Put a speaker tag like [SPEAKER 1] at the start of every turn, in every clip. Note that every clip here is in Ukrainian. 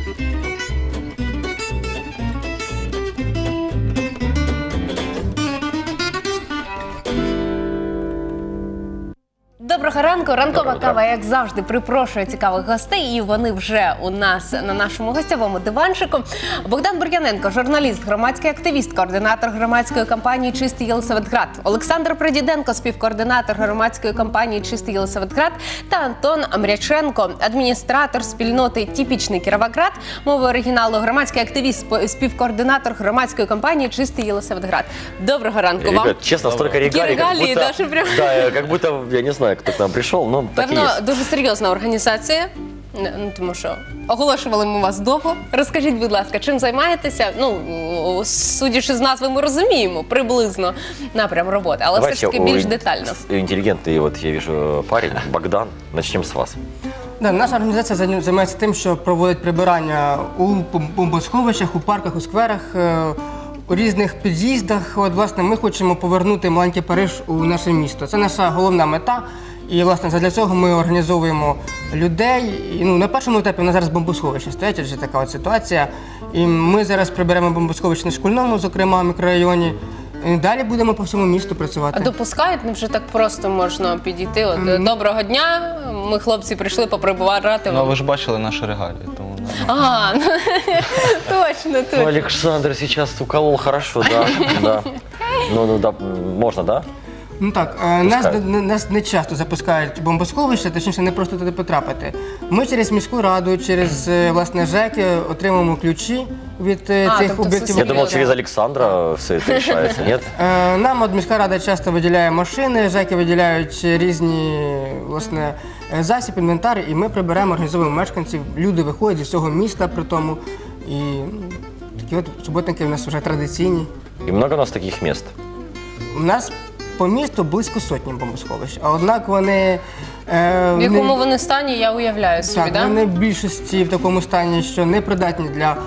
[SPEAKER 1] Доброго ранку. Ранкова кава, як завжди, припрошує цікавих гостей, і вони вже у нас на нашому гостєвому диванчику. Богдан Бур'яненко, журналіст, громадський активіст, координатор громадської кампанії «Чистий Єлисаветград», Олександр Придіденко, співкоординатор громадської кампанії «Чистий Єлисаветград» та Антон Амряченко, адміністратор спільноти «Типічний Кіровоград», мовою оригіналу, громадський активіст, співкоординатор громадської кампанії «Чистий Єлисаветград». Доброго ранку вам.
[SPEAKER 2] Ребят, честно, столько регалий, как будто, я не знаю, кто к нам пришел, но так и
[SPEAKER 1] Певно,
[SPEAKER 2] есть.
[SPEAKER 1] дуже серйозна організація, тому що оголошували ми вас довго. Розкажіть, будь ласка, чим займаєтеся? Ну, судячи з назви, ми розуміємо приблизно напрям роботи, але все ж таки більш детально.
[SPEAKER 2] Інтелігентний, от я бачу парень, Богдан, почнемо з вас.
[SPEAKER 3] Да, наша організація займається тим, що проводить прибирання у бомбосховищах, у парках, у скверах, у різних під'їздах. От, власне, ми хочемо повернути маленький Париж у наше місто. Це наша головна мета. І, власне, для цього ми організовуємо людей. І, на першому етапі у нас зараз бомбосховище стоять, адже така от ситуація. І ми зараз приберемо бомбосховище на Шкільному, зокрема, мікрорайоні. І далі будемо по всьому місту працювати.
[SPEAKER 1] А допускають, вже так просто можна підійти? От, доброго дня, ми, хлопці, прийшли поприбирати.
[SPEAKER 4] Ну, ви ж бачили наші регалії, тому...
[SPEAKER 1] А, точно.
[SPEAKER 2] Олександр зараз уколол хорошо, да. Ну, да, можна, да?
[SPEAKER 3] Ну так, нас не часто запускають бомбосховища, точніше, не просто туди потрапити. Ми через міську раду, через, власне, ЖЕКи отримуємо ключі від цих об'єктів.
[SPEAKER 2] Я думав, через Олександра все це рішається, ні?
[SPEAKER 3] Нам міська рада часто виділяє машини, ЖЕКи виділяють різні, власне, засіб, інвентар, і ми приберемо, організовуємо мешканців. Люди виходять зі всього міста при тому. І такі от суботники у нас вже традиційні.
[SPEAKER 2] І багато у нас таких місць?
[SPEAKER 3] У нас по місту близько сотні бомбосховищ, а однак вони...
[SPEAKER 1] В якому вони стані, я уявляю собі,
[SPEAKER 3] так? Так, вони в більшості в такому стані, що не придатні для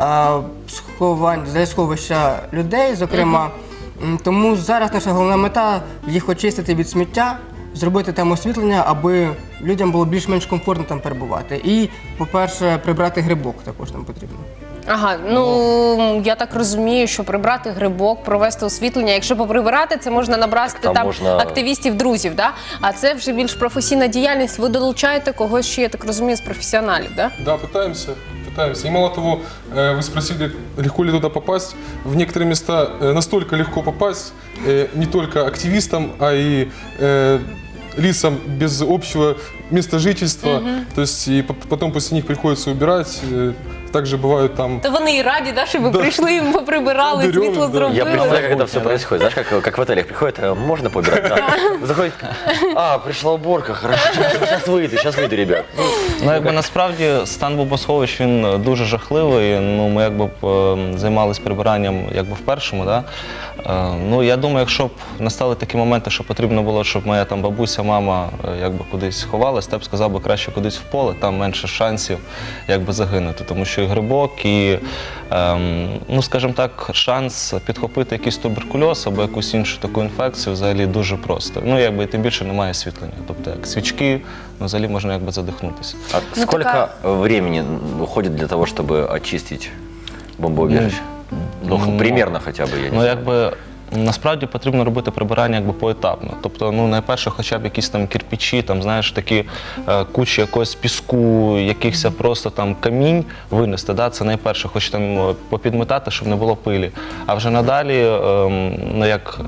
[SPEAKER 3] сховища людей, зокрема. Тому зараз наша головна мета – їх очистити від сміття, зробити там освітлення, аби людям було більш-менш комфортно там перебувати. І, по-перше, прибрати грибок також нам потрібно.
[SPEAKER 1] Ага, ну я так розумію, що прибрати грибок, провести освітлення. Якщо поприбирати, це можна набрати там активістів, друзів, да? А це вже більш професійна діяльність. Ви долучаєте когось ще, я так розумію, з професіоналів, да?
[SPEAKER 5] Да, пытаемся. И мало того, вы спросили, легко ли туда попасть. В некоторые места настолько легко попасть, не только активистам, а и лицам без общего места жительства. То есть и потом после них приходится убирать. Также бывают там...
[SPEAKER 1] То вони і раді, да, щоб ви прийшли, поприбирали, світло зробили.
[SPEAKER 2] Я представляю, как это все происходит. Знаешь, как в отелях приходит, можно поубирать? Да. Заходит, пришла уборка, хорошо, сейчас выйду, ребят.
[SPEAKER 4] Ну, якби насправді стан бомбосховищ, він дуже жахливий. Ну, ми якби займалися прибиранням якби в першому, да? Ну, я думаю, якщо б настали такі моменти, що потрібно було, щоб моя там бабуся, мама якби кудись ховалась, то я б сказав би краще кудись в поле, там менше шансів якби загинути, тому що і грибок, і, ну, скажімо так, шанс підхопити якийсь туберкульоз або якусь іншу таку інфекцію взагалі дуже просто. Ну, якби тим більше немає освітлення, тобто як свічки, ну, взагалі можна якби задихнутися.
[SPEAKER 2] А сколько времени уходит для того, чтобы очистить бомбоубежище? Ну, примерно хоча б, я не знаю.
[SPEAKER 4] Ну, якби, насправді потрібно робити прибирання якби поетапно. Тобто, ну, найперше, хоча б якісь там кирпичі, там, знаєш, такі кучі якогось піску, якихось просто там камінь винести, да? Це найперше, хоч там попідметати, щоб не було пилі. А вже надалі, ну,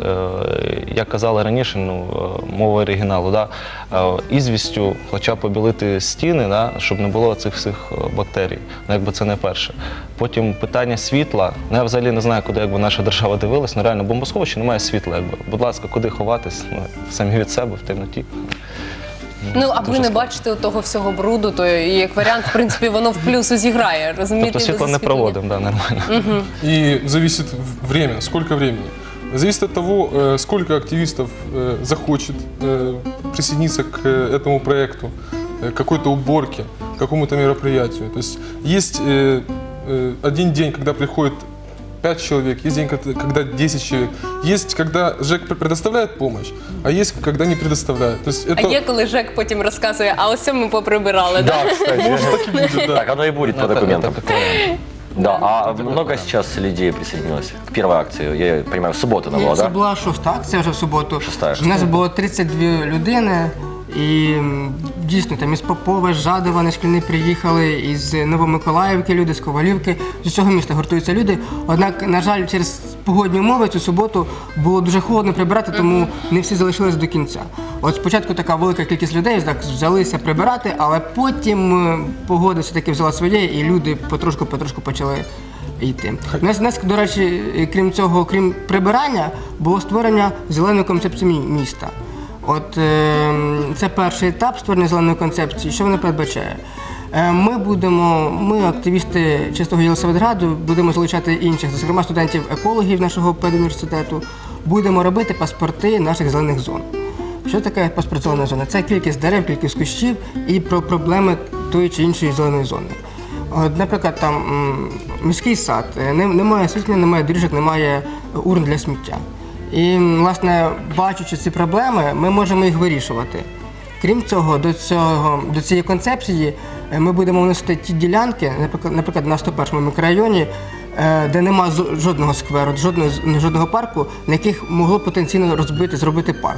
[SPEAKER 4] як казали раніше, ну, мова оригіналу, да? Ізвістю хоча б побілити стіни, да? Щоб не було цих всіх бактерій. Ну, якби це найперше. Потім питання світла. Ну, я взагалі не знаю, куди якби наша держава дивилась, ну, реально, бомбосховище немає світла, якби. Будь ласка, куди ховатись? Ну, самі від себе, в темноті.
[SPEAKER 1] Ну, а ви не бачите того всього бруду, то як варіант, в принципі, воно в плюс зіграє, розумієте?
[SPEAKER 4] Тобто світло не проводимо, да, нормально.
[SPEAKER 5] И зависит время, сколько времени. Зависит от того, сколько активистов захочет присоединиться к этому проекту, к какой-то уборке, к какому-то мероприятию. То есть один день, когда приходит 5 человек, есть день, когда 10 человек. Есть, когда ЖЭК предоставляет помощь, а есть, когда не предоставляет. То есть
[SPEAKER 1] А є, коли ЖЕК потім розказує, а ось ми поприбирали, да?
[SPEAKER 2] Да, кстати. Так оно и будет по документам.
[SPEAKER 4] Это как вариант.
[SPEAKER 2] Да, а много сейчас людей присоединилось к первой акции? Я понимаю, в субботу она была,
[SPEAKER 3] Це
[SPEAKER 2] да?
[SPEAKER 3] була 6-та акція вже в суботу.
[SPEAKER 2] Шоста.
[SPEAKER 3] У нас було 32 людини. І дійсно там із Попова, з Жадова на Шкільний приїхали, із Новомиколаївки люди, з Ковалівки, з усього міста гуртуються люди. Однак, на жаль, через погодні умови цю суботу було дуже холодно прибирати, тому не всі залишились до кінця. От спочатку така велика кількість людей так взялися прибирати, але потім погода все-таки взяла своє, і люди потрошку почали йти. У нас, до речі, крім цього, крім прибирання, було створення зеленої концепції міста. От це перший етап створення зеленої концепції. Що вона передбачає? Ми, активісти Чистого Єлисаветграду, будемо залучати інших, зокрема студентів-екологів нашого педуніверситету, будемо робити паспорти наших зелених зон. Що таке паспорт зеленої зони? Це кількість дерев, кількість кущів і про проблеми тої чи іншої зеленої зони. От, наприклад, там міський сад, немає освітлення, немає доріжок, немає урн для сміття. І, власне, бачачи ці проблеми, ми можемо їх вирішувати. Крім цього, до цієї концепції ми будемо вносити ті ділянки, наприклад, на 101-му мікрорайоні, де немає жодного скверу, жодного парку, на яких могло потенційно зробити парк.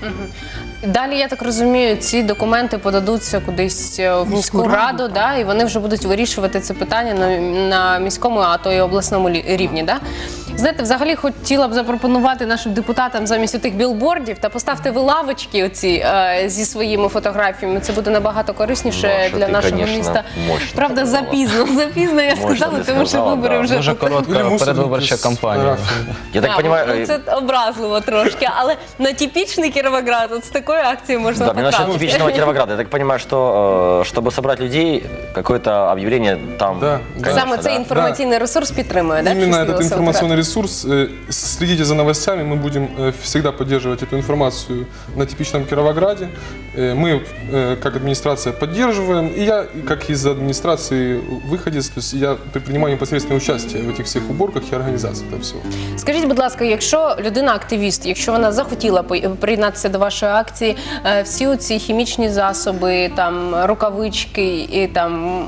[SPEAKER 1] Далі, я так розумію, ці документи подадуться кудись в міську раду, да, і вони вже будуть вирішувати це питання на міському, а то й обласному рівні. Да? Знаєте, взагалі хотіла б запропонувати нашим депутатам замість тих білбордів та поставте ви лавочки оці зі своїми фотографіями. Це буде набагато корисніше
[SPEAKER 2] Маша,
[SPEAKER 1] для
[SPEAKER 2] ти,
[SPEAKER 1] нашого
[SPEAKER 2] конечно,
[SPEAKER 1] міста.
[SPEAKER 2] мощно
[SPEAKER 1] Правда,
[SPEAKER 2] сказала.
[SPEAKER 1] запізно я
[SPEAKER 2] Мощно
[SPEAKER 1] сказала,
[SPEAKER 2] ти
[SPEAKER 1] тому що
[SPEAKER 2] сказала,
[SPEAKER 1] вибори
[SPEAKER 2] да.
[SPEAKER 1] вже
[SPEAKER 4] Дуже
[SPEAKER 1] тут.
[SPEAKER 4] коротка
[SPEAKER 5] Или мусорники
[SPEAKER 4] передвиборча
[SPEAKER 5] с
[SPEAKER 4] кампанія.
[SPEAKER 5] фотографиями.
[SPEAKER 2] Я так понимаю,
[SPEAKER 1] Ну, це образливо трошки, але на типічний Кіровоград от з такою акцією можна
[SPEAKER 2] да, насчет
[SPEAKER 1] потрапити.
[SPEAKER 2] типичного Кировограда. Я так понимаю, что чтобы собрать людей, какое-то объявление там,
[SPEAKER 5] Да,
[SPEAKER 2] конечно,
[SPEAKER 1] Саме цей
[SPEAKER 2] да?
[SPEAKER 1] інформаційний ресурс підтримує, да?
[SPEAKER 5] Именно
[SPEAKER 1] Чистий
[SPEAKER 5] этот
[SPEAKER 1] Єлисаветград?
[SPEAKER 5] информационный ресурс. Следите за новостями, мы будем всегда поддерживать эту информацию на типичном Кировограде. Мы, как администрация, поддерживаем. И я, как из администрации выходец, то есть я принимаю непосредственное участие в этих всех уборках и организации этого всего.
[SPEAKER 1] Скажіть, будь ласка, якщо людина-активіст, якщо вона захотіла приєднатися до вашої акції, всі ці хімічні засоби, там рукавички і там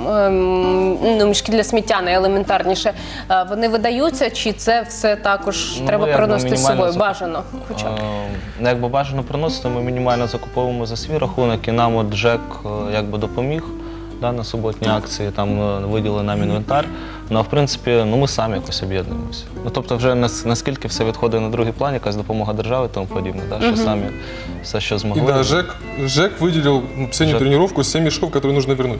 [SPEAKER 1] мішки для сміття найелементарніше, вони видаються, чи це все також треба
[SPEAKER 4] якби
[SPEAKER 1] приносити з собою?
[SPEAKER 4] мінімально
[SPEAKER 1] Бажано, хоча б.
[SPEAKER 4] Якби бажано приносити, ми мінімально закуповуємо за свій рахунок, і нам от ЖЕК якби допоміг да, на суботній акції, там виділили нам інвентар. Ну, а в принципі, ми самі якось об'єднуємося. Ну, тобто вже наскільки все відходить на другий план, якась допомога держави і тому подібне, да, що самі все, що
[SPEAKER 5] И
[SPEAKER 4] змогли.
[SPEAKER 5] да, ЖЭК выделил последнюю тренировку 7 мешков, которые нужно вернуть.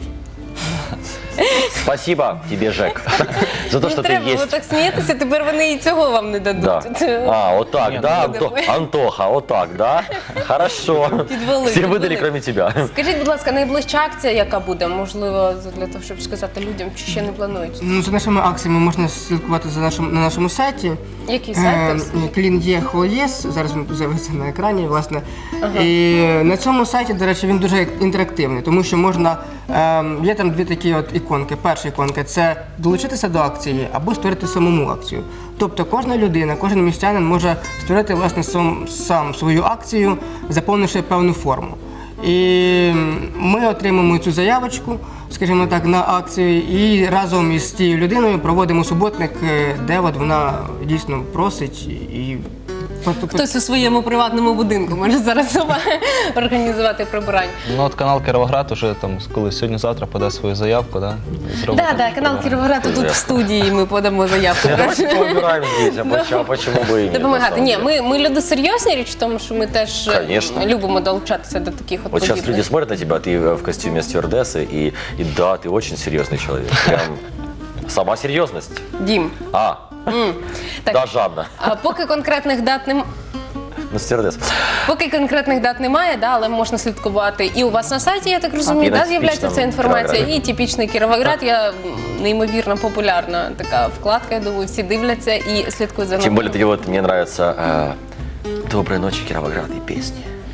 [SPEAKER 2] Спасибо тебе, Жек, за то,
[SPEAKER 1] Не
[SPEAKER 2] что ты
[SPEAKER 1] треба, ви
[SPEAKER 2] есть.
[SPEAKER 1] так смієтеся, тепер вони і цього вам не
[SPEAKER 2] Да.
[SPEAKER 1] дадуть.
[SPEAKER 2] А, вот так,
[SPEAKER 4] Нет,
[SPEAKER 2] да,
[SPEAKER 1] ну,
[SPEAKER 2] Антоха, вот так, да? Хорошо.
[SPEAKER 1] Підвели,
[SPEAKER 2] Все
[SPEAKER 1] підвели.
[SPEAKER 2] выдали, кроме тебя.
[SPEAKER 1] Скажіть, будь ласка, найближча акція, яка буде? Можливо, для того, щоб сказати людям, чи ще не планують?
[SPEAKER 3] Ну, за нашими акціями можна слідкувати на нашому сайті.
[SPEAKER 1] Який сайт?
[SPEAKER 3] Клін.є.хол.єс, зараз він з'явиться на екрані, власне. І на цьому сайті, до речі, він дуже інтерактивний, тому що можна, є там дві такі от іконки. Перша іконка – це долучитися до акції або створити самому акцію. Тобто кожна людина, кожен містянин може створити, власне, сам свою акцію, заповнивши певну форму. І ми отримуємо цю заявочку, скажімо так, на акцію, і разом із тією людиною проводимо суботник, де от вона дійсно просить і
[SPEAKER 1] Хтось у своєму приватному будинку може зараз сама організувати прибирання.
[SPEAKER 4] Ну, от канал Кіровоград уже там, коли сьогодні-завтра подасть свою заявку, да, і зробить
[SPEAKER 1] Так,
[SPEAKER 4] там
[SPEAKER 1] канал
[SPEAKER 4] прибирання.
[SPEAKER 1] Кіровоград тут в студії, ми подамо заявку.
[SPEAKER 2] Давайте поубираем здесь, а почему бы и нет? на
[SPEAKER 1] Допомагати.
[SPEAKER 2] самом
[SPEAKER 1] Ні,
[SPEAKER 2] деле?
[SPEAKER 1] ми люди серйозні, річ в тому, що ми теж
[SPEAKER 2] Конечно.
[SPEAKER 1] любимо долучатися до таких от
[SPEAKER 2] Вот сейчас
[SPEAKER 1] подібних.
[SPEAKER 2] люди смотрят на тебя, ты в костюме стюардессы, и да, ты очень серьезный человек. Прям сама серьезность.
[SPEAKER 1] Дім. Так.
[SPEAKER 2] Да, жадно.
[SPEAKER 1] А поки конкретних дат немає.
[SPEAKER 2] Ну, стюардесс.
[SPEAKER 1] Поки конкретних дат немає, да, але можна слідкувати. І у вас на сайті, я так розумію,
[SPEAKER 2] І на
[SPEAKER 1] да, з'являється ця
[SPEAKER 2] типічному
[SPEAKER 1] інформація.
[SPEAKER 2] Кіровограді.
[SPEAKER 1] І типічний Кіровоград. Я неймовірно популярна така вкладка, я думаю, всі дивляться і слідкують за
[SPEAKER 2] Тем
[SPEAKER 1] нами.
[SPEAKER 2] более, вот мне нравится «Доброй ночи, Кировоград» и песни.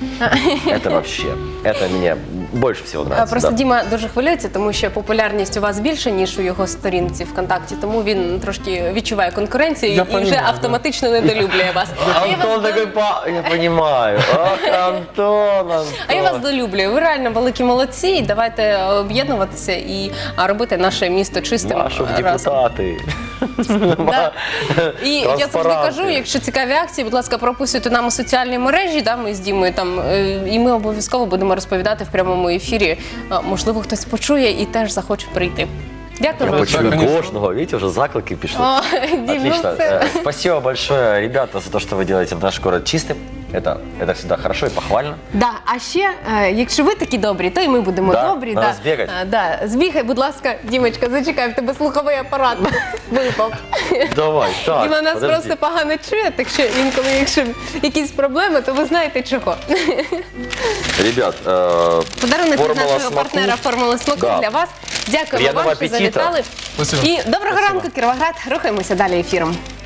[SPEAKER 2] Это вообще, это мне больше всего нравится.
[SPEAKER 1] Просто
[SPEAKER 2] да.
[SPEAKER 1] Діма дуже хвилюється, тому що популярність у вас більше, ніж у його сторінці ВКонтакті, тому він трошки відчуває конкуренцію
[SPEAKER 5] Я
[SPEAKER 1] і вже
[SPEAKER 5] понимаю,
[SPEAKER 1] автоматично недолюблює вас. А я вас
[SPEAKER 2] Антон такой, я понимаю. Ах, Антон.
[SPEAKER 1] А я вас долюблюю. Ви реально великі молодці. І давайте об'єднуватися і робити наше місто чистим
[SPEAKER 2] Машу в
[SPEAKER 1] разом.
[SPEAKER 2] депутаты.
[SPEAKER 1] Да. І я завжди
[SPEAKER 2] Транспаранти.
[SPEAKER 1] кажу, якщо цікаві акції, будь ласка, прописуйте нам у соціальні мережі, да, ми з Дімою там, і ми обов'язково будемо розповідати в прямому ефірі. Можливо, хтось почує і теж захоче прийти. Дякую
[SPEAKER 2] Я
[SPEAKER 1] вам.
[SPEAKER 2] почую
[SPEAKER 5] конечно.
[SPEAKER 2] кожного, видите, уже заклики пишут.
[SPEAKER 1] О, Дім, ну
[SPEAKER 2] Отлично.
[SPEAKER 1] все.
[SPEAKER 2] Спасибо большое, ребята, за то, что вы делаете наш город чистым. Это всегда хорошо и похвально.
[SPEAKER 1] Да, а ще, якщо ви такі добрі, то і ми будемо
[SPEAKER 2] Да,
[SPEAKER 1] добрі.
[SPEAKER 2] надо збігати.
[SPEAKER 1] Да. Збігай, будь ласка, Дімочка, зачекай, в тебе слуховий апарат випав.
[SPEAKER 2] Давай, так,
[SPEAKER 1] Діма нас
[SPEAKER 2] подожди.
[SPEAKER 1] просто погано чує, так що інколи, якщо якісь проблеми, то ви знаєте чого.
[SPEAKER 2] Ребят,
[SPEAKER 1] Подарунок від
[SPEAKER 2] формула
[SPEAKER 1] нашого
[SPEAKER 2] смаку.
[SPEAKER 1] партнера «Формула смаку»
[SPEAKER 2] Да.
[SPEAKER 1] для вас. Дякуємо
[SPEAKER 2] Приємного
[SPEAKER 1] вам, що
[SPEAKER 2] апетиту.
[SPEAKER 1] завітали.
[SPEAKER 5] Спасибо.
[SPEAKER 1] І доброго ранку, Кіровоград. Рухаємося далі ефіром.